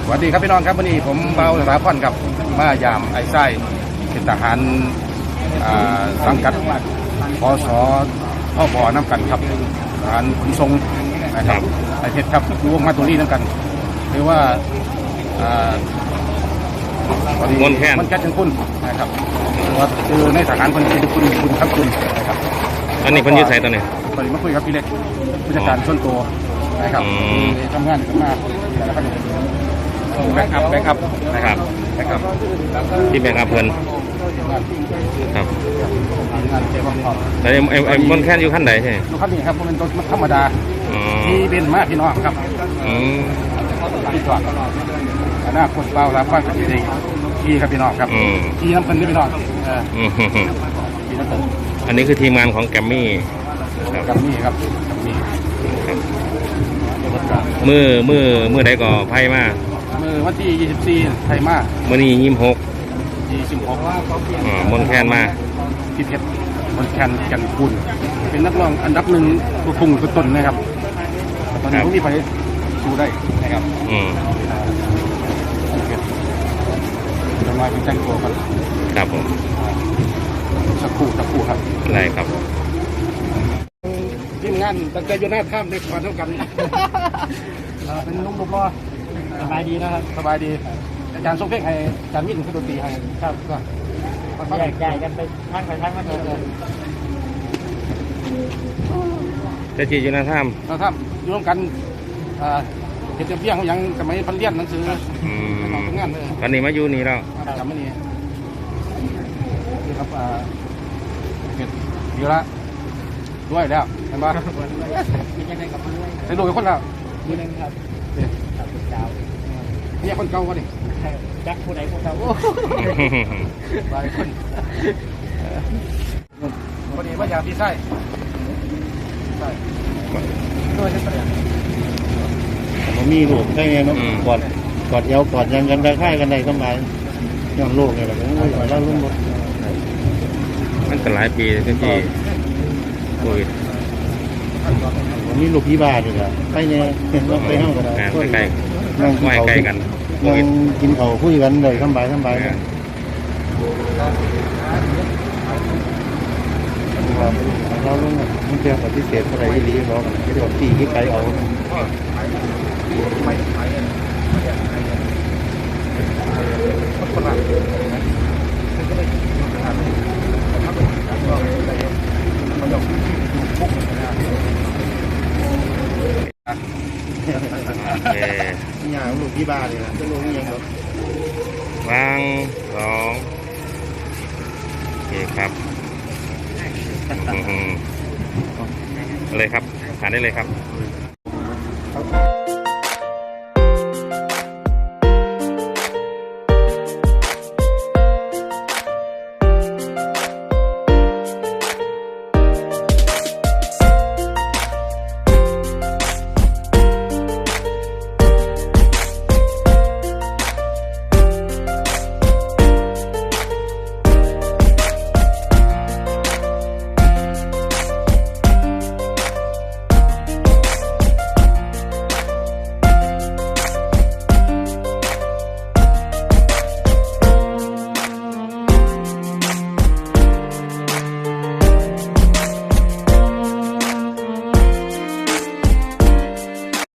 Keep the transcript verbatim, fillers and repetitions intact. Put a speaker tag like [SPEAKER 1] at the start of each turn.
[SPEAKER 1] วัสดีครับพี่น้องครับวันนี้ผมเบาสถาพรกับมายามไอ้ไส้เป็นทหารสังกัดพศพ่อบอน้ำกันครับทหารขนส่งนะครับไอเพชรครับอยู่วงมาตัวนี้น้ำกันหรือว่า
[SPEAKER 2] มันแค่
[SPEAKER 1] มันแค่ถึงคุณนะครับว่าคือในทหารคนเป็นคุณคุณครับคุณนะครับ
[SPEAKER 2] อันนี้คนยืดใส่ตัวนี้
[SPEAKER 1] ตอนนี้มาคุยกับพี่เล็กผู้จัดการส่วนตัวนะครับทำงานกันมากแล้วก็แบ็กอัพแบ็กอัพ
[SPEAKER 2] นะครับ
[SPEAKER 1] แบ็กอัพ
[SPEAKER 2] ที่แบ็กอัพเพิ่นครับ
[SPEAKER 1] งานเจ้าของ
[SPEAKER 2] แต่ไอ้ไอ้มันแค่อยู่ขั้นไหนใช่
[SPEAKER 1] ลูกค้านี่ครับมันเป็นธรรมดาที่เป็นมากพี่น้องครับที่จอดหน้าคนเปล่ารับฟังกันดีที่ครับพี่น้องครับที่น้ำเงินนี่พี่น้องที่น้ำเงิน
[SPEAKER 2] อันนี้คือทีมงานของแกมมี่
[SPEAKER 1] แกมมี่ครับแกมมี่
[SPEAKER 2] มือมือมือใดก็ไพ่มา
[SPEAKER 1] มือวันที่ยี่สิบสี่ไพ่มา
[SPEAKER 2] มือนี้ยี่สิบหก
[SPEAKER 1] ยี่สิบหก
[SPEAKER 2] มนแคนมา
[SPEAKER 1] พี่เพชรมนแคนกันคุณเป็นนักร้องอันดับหนึ่งตัวพุ่งตัวต้นนะครับตอนนี้ผมมีไปสู้ได้นะครับ
[SPEAKER 2] อืม
[SPEAKER 1] จะมาเป็นแจ้งตัวกัน
[SPEAKER 2] ครับผม
[SPEAKER 1] สักครู่สักครู่ครับ
[SPEAKER 2] ได้ครับ
[SPEAKER 1] ทีมงานตั้งใจอยู่หน้าถ้ำในความเท่ากันเป็นนุ่มรูปล้อสบายดีนะครับสบายดีอาจารย์ทรงเพลงให้อาจารย์มิ่นขึ้นดนตรีให้ครับก็
[SPEAKER 3] แยกย้ายกันไปทั้งไปทั้งมาเจอกัน
[SPEAKER 2] จะจีอยู่หน้าถ้
[SPEAKER 1] ำหน้าถ้ำอยู่ร่วมกันเห็นเพียงเขายังสมัยพันเลียนหนังสือทำงานเลย
[SPEAKER 2] ตอนนี้มาอยู่นี่แล้ว
[SPEAKER 1] จำไม่นี่นี่ครับเห็ดเยอะละด้วยแล้วเห็นปะใส่ดูเป็นคนแล้ว
[SPEAKER 3] นี่นึงครับ
[SPEAKER 1] นี่คนเก่าวะนี่
[SPEAKER 3] จักผู้ใดผู้เก่า
[SPEAKER 1] หลายคนพอดีว่าอยากที่ไส้ไส้ด้วยที่เปลี่ยน
[SPEAKER 4] ผมมีลูกได้ไงเนาะกอดกอดเอวกอดยังกันได้ค่ายกันได้สมัยย้อนโลกไงแบบนี้แล้วรุ่นรถ
[SPEAKER 2] มันก็หลายปีที่ที่โควิด
[SPEAKER 4] ผมมีลูกพี่บ้านอยู่แล้วไปเนี่ยเห็นว่าไปห้องกัน
[SPEAKER 2] ได้ใกล้นั่งไม่ใกล้กัน
[SPEAKER 4] นั่งกินเขาคุยกันเลยสบายสบายเราลุงมันเจอปฏิเสธอะไรที่ดีเราไม่ได้บอกตีที่ไกลเอา
[SPEAKER 1] ไม่ขายเลยคนละมันต้องพุก
[SPEAKER 4] นี่อย่างลูกที่บ้านเลยนะจะรู้ยังครับ
[SPEAKER 2] วางสองโอเคครับเลยครับทานได้เลยครับ